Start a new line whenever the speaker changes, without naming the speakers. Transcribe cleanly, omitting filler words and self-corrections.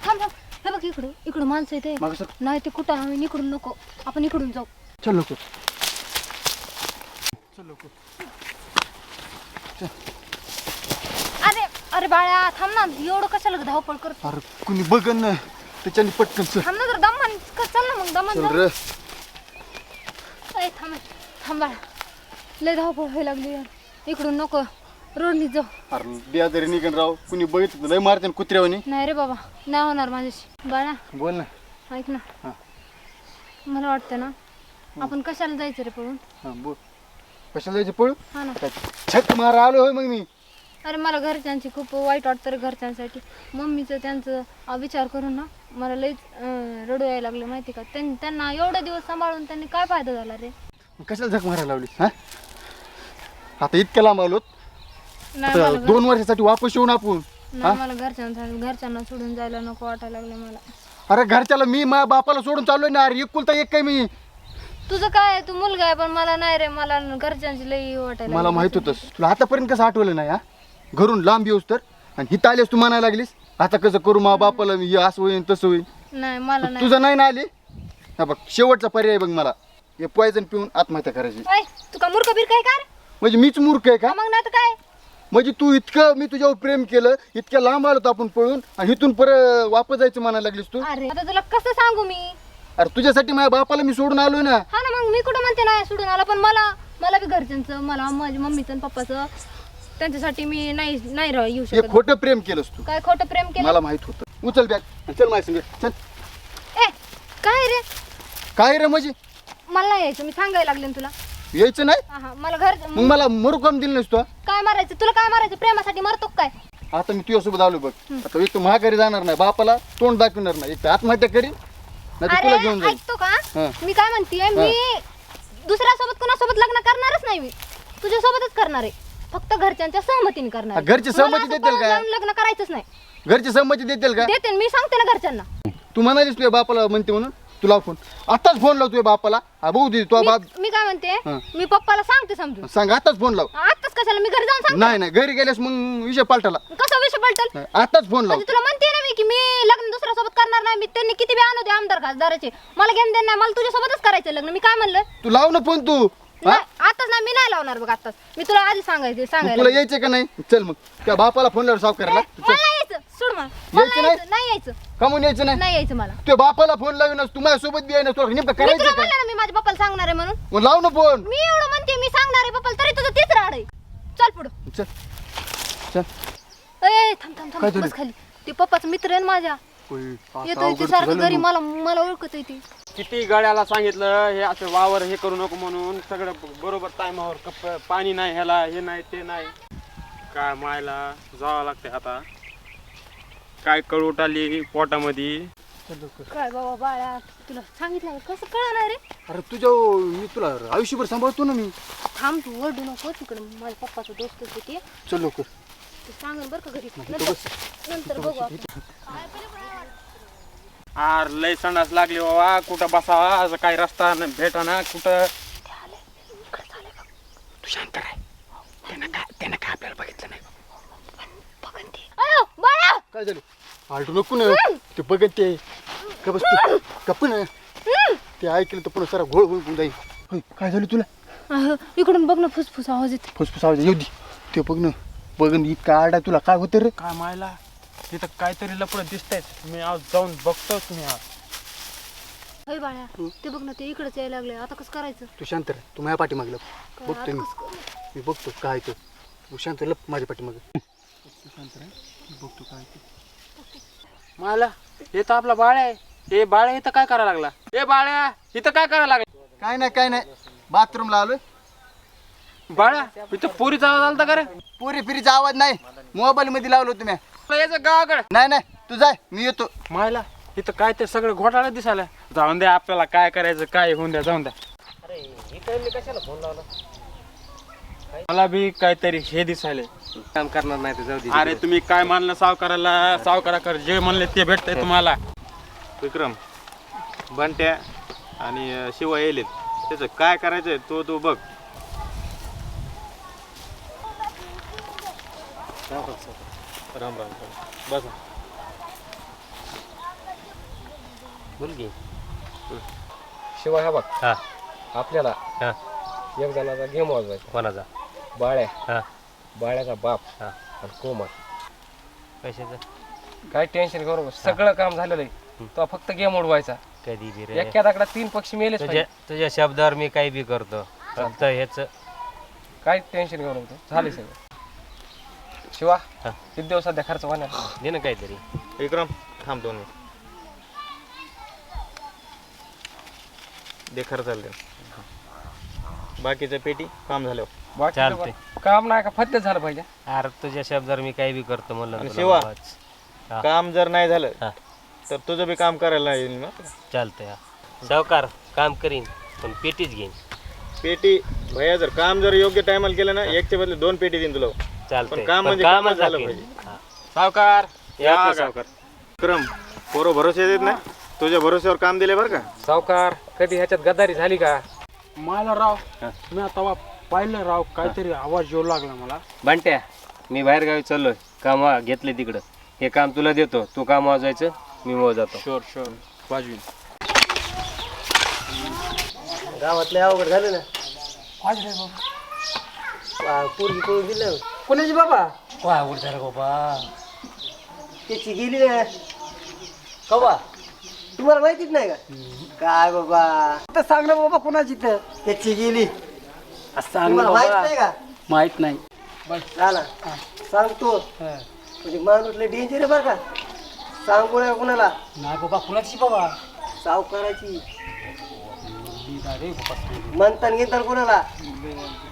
थांब थांब. हे बघ इकडं इकडं माणसं इथे नाही ते कुठं आम्ही इकडून नको आपण इकडून जाऊ.
चल लोक चल लोक.
अरे अरे बाळा थांब ना एवढं कशाला धावपळ करत.
अरे कुणी बघन ना त्याच्यानी पटकन चल.
थांब ना जर दमान चल ना मग दमान
चल
जाऊ.
रे.
ए थांब थांब बाळा लय धावपळ व्हायला लागली यार. इकडून नको रोडनी जाऊ.
अरे बेजारी निघन राव कुणी बघितलं लय मारते कुत्र्यावानी.
नाही रे बाबा नाही होणार माझ्याशी. बाळा
बोल ना.
ऐक ना
हा.
मला वाटतं ना आपण कशाला जायचं रे पळून.
हा बोल. कशाला जायचं पळू.
हा ना.
छत मारा आलो होय मग मी.
अरे मला घरच्यांची खूप वाईट वाटतं रे घरच्यांसाठी. मम्मीचं त्यांचं विचार करून ना मला लईच रडू यायला लागलं माहिती का. त्यांना एवढे दिवस सांभाळून त्यांनी काय फायदा झाला रे.
कशाला झक मारायला लावली हा. आता इतक्या लांब आलो
नाही मला
2 वर्षासाठी वापस येऊन आपण.
नाही मला घरच्यांना सोडून जायला नको वाटायला लागलं मला.
अरे घरच्याला मी माझ्या बापाला सोडून चाललोय ना. अरे एकुलता एक काय मी.
तुझं काय तू मुलगा आहे पण मला नाही रे. मला घरच्यांची लई वाटायला
मला
लागली.
माहित होतंस. तुला आतापर्यंत कसं आठवलं नाही हा. घरून लांब येऊस तर आणि हिथं आलीस तू म्हणायला लागलीस आता कसं करू मा बापाला मी हे असं होईन तसं होईन.
नाही मला नाही.
तुझं नाही ना आली. हा बघ शेवटचा पर्याय बघ मला. हे पॉयझन पिऊन आत्महत्या करायची.
ऐ, तू का मूर्ख बीर काय का रे?
म्हणजे मीच मूर्ख आहे का.
मग नाही तर काय.
म्हणजे तू इतकं मी तुझ्यावर प्रेम केलं इतक्या लांब आलो आपण पळून आणि इथून परत वापस जायचं म्हणायला लागलीस तू.
अरे आता तुला कसं सांगू मी.
अरे तुझ्यासाठी माझ्या बापाला मी सोडून आलोय ना.
हा ना मग मी कुठं म्हणते नाही सोडून आला पण मला बी घरच्यांचं मला माझ्या मम्मीचं आणि पप्पाचं त्यांच्यासाठी मी नाही येऊ
हे
शकत.
खोटं प्रेम केलंस तू.
काय खोटं प्रेम केलं.
मला माहित होतं. उचल बॅग चल माझ्या संग चल.
ए काय रे
काय रे म्हणजे
मला नाही यायचं. मी सांगायला लागले ना तुला.
यायचं नाही.
हा मला घर
मग मला मरू काम दिलं नसतो.
काय मारायचं तुला. काय मारायचं प्रेमासाठी मरतो काय.
आता मी तुझ्यासोबत आलो बघ. आता एक तर महागारी जाणार नाही बापाला तोंड दाखवणार नाही. एक तर आत्महत्या करीन नाही तर तुला घेऊन
अरे
जाईल.
ऐकतो का
हा.
मी काय म्हणते मी दुसऱ्यासोबत कोणासोबत लग्न करणारच नाही. मी तुझ्यासोबतच करणार आहे. फक्त घरच्यांच्या सहमतीने करणार आहे.
घरची सहमती
मला असं
देतील
पळून
का.
जाऊन लग्न करायचंच नाही.
घरची संमती देतील का.
देते मी सांगते ना घरच्यांना.
तू म्हणालीस तुझ्या बापाला म्हणते म्हणून तुला फोन आताच फोन लाव तुझ्या बापाला. हा बघू दे तुझा बाप.
मी काय म्हणते
हा.
मी पप्पाला सांगते समजून.
सांग आताच फोन लाव.
आताच कशाला मी घरी जाऊन सांगते.
नाही नाही घरी गेल्यास मग विषय पालटाला.
कसा विषय पलटल.
आताच फोन लाव.
म्हणजे तुला म्हणते ना मी की मी लग्न दुसऱ्यासोबत करणार नाही. मी त्यांनी किती बी आणू दे आमदार खासदाराचे मला घेऊन देणार नाही. मला तुझ्यासोबतच करायचं लग्न. मी काय म्हणलं
तू लाव ना फोन तू. हा
नाही आताच नाही मी नाही लावणार बघ आताच. मी तुला आधी
मग
सांगायला
तुला यायचं का नाही. चल मग त्या बापाला फोन लाव साफ करायला.
मला नाही यायचं. सोड मला.
यायचं नाही?
नाही यायचं.
कमून यायचं नाही.
नाही यायचं मला.
तुझ्या बापाला फोन लावूनच तू माझ्यासोबत बी आहे ना. तुला नेमकं
मी तुला
करायचं काय.
म्हणलं ना मी माझ्या पप्पाला सांगणार आहे म्हणून.
मग लाव ना फोन.
मी एवढं म्हणते मी सांगणार आहे पप्पाला तरी तुझं तीच राड आहे. चल पुढं.
चल चल.
ए थांब थांब
काय
थांब
झालं?
बस खाली. ते पप्पाचा मित्र आहे ना माझ्या. येतो ते सारखं घरी मला ओळखत आहे ती.
किती गाड्याला सांगितलं हे असं वावर हे करू नको म्हणून. सगळं बरोबर टायमावर पाणी नाही ह्याला हे नाही ते नाही. काय मायला जावं लागते आता. काय कळवट आली पोटामध्ये.
काय बाबा बाळा तुला सांगितलं कसं कळणार रे.
अरे तुझ्या मी तुला आयुष्यभर सांभाळतो ना मी.
थांब तू ओरडू नको. तिकडे माझ्या पप्पाचं दोस्तच आहे ते.
चल लवकर.
ते सांगेल बरं का घरी.
बस.
नंतर बघू आपण.
आर लय संडास लागली बाबा. कुठं बसावा असं काही रस्ता भेटा ना कुठं.
तू शांत राह. त्यानं काय आपल्याला बघितलं नाही.
अयो बाळा
काय झालं. आलटू नको ना. ते बघत ते का बस तू कप ना. ते ऐकलं तर पुन्हा सारा घोळ होऊन जाईल. होय, काय झालं तुला.
इकडून बघ ना फुसफुस आवाज येते.
फुसफुस आवाज येऊ दे. ते बघ ना. बघ ना इतका आरडा तुला काय होतं रे.
काय मायला तिथं काहीतरी लपड दिसतंय. मी आज जाऊन बघतो. तुम्ही आज
होय बाळा ते बघ ना ते इकडेच यायला लागले. आता कसं करायचं.
तू शांत राह. तू माझ्या पाठीमागलं
काय
बघतो
आता
मी.
कसं करू?
मी बघतो काय ते. तू शांत लप माझ्या पाठीमागं. तू शांत राह. मी बघतो काय ते.
मायला हे तर आपला बाळ आहे. हे बाळ इथं काय करायला लागला. हे बाळ्या इथं काय करायला लागला.
काय नाही बाथरूमला आलोय.
बाळा इथं पोरीचा आवाज आलता का रे.
पुरी फिरीचा आवाज नाही. मोबाईल मध्ये लावलो तुम्ही.
यायचं गावाकडे.
नाही तू जाय मी येतो.
मायला इथं काय ते सगळं घोटाळा दिसायला. जाऊन द्या आपल्याला काय करायचं काय होऊन द्या जाऊन द्या. मला बी काहीतरी हे दिसायले.
काम करणार नाही तर जाऊ दे.
अरे तुम्ही काय मानलं सावकाराला. सावकाराकडे जे म्हणले ते भेटतंय तुम्हाला.
विक्रम बंट्या आणि शिवा येईल त्याचं काय करायचंय तो बघ. राम राम बस.
बोल की.
शिवाय हा बघ
हा
आपल्याला
हा
एक जणाचा गेम वाजवायचा.
कोणाचा?
बाळ्या,
हा
बाळ्याचा बाप
हा
आणि कोमल.
कशाचं?
काय टेन्शन करू नको. सगळं काम झालेलं आहे. तो फक्त गेम उडवायचा.
कधी बी रे.
एका दगडात 3 पक्षी मेलेच
तुझ्या
पाहिजे.
तुझ्या शब्दावर मी काही बी करतो. फक्त ह्याच
काय टेन्शन करू नको. झाले सगळं. शिवा
हा.
किती दिवस सध्या खर्च होणार?
दे ना काहीतरी.
विक्रम थांब 2 मिनिट. दे खर्चाला दे. बाकीचं पेटी काम झाल्यावर.
बाकी
चालतंय.
काम नाही का फत्तेच झालं पाहिजे.
अरे तुझ्या शब्दावर मी काही बी करतो म्हणलं
आणि
तुला
शिवा?
बाबाच. हा.
काम जर नाही झालं
हा.
तर तुझं बी काम करायला येईल ना.
चालतंय. हा. सावकार काम करीन पण पेटीच घेईन.
पेटी भैया जर काम जर योग्य टायमाला केलं ना एकच्या बदले 2 पेटी देईन तुला.
चालतंय.
पण काम
पण
म्हणजे
कामच
कामच झालं
दाखवीन.
पाहिजे.
हा.
सावकार
या आपलं सावकार. विक्रम पोरं भरोसे देत नाही. तुझ्या भरोश्यावर काम दिले बरं का.
सावकार कधी ह्याच्यात गद्दारी झाली का?
मला राव मी आता पाहिलं राव काहीतरी आवाज येऊ लागला मला.
बंट्या मी बाहेर गावी चाललोय. काम घेतले तिकडं. हे काम तुला देतो. तू काम वाजवायचं मी मग जातो.
शुअर शुअर वाजवीन.
गावातले अवघड झालं ना. पोरगी पळून दिलं. कोणाची बाबा? अवघड झालं बाबा. त्याची गेली ना. कवा तुम्हाला माहितीच नाही का? काय बाबा सांग ना बाबा कोणाची तर त्याची गेली. तुम्हाला माहित नाही का? माहित नाही. झाला सांगतो. म्हणजे माणूस लय डेंजर आहे बरं का. सांगू नका कोणाला. नाही बाबा कोणाची बाबा? सावकाराची. म्हणतान घेतान कोणाला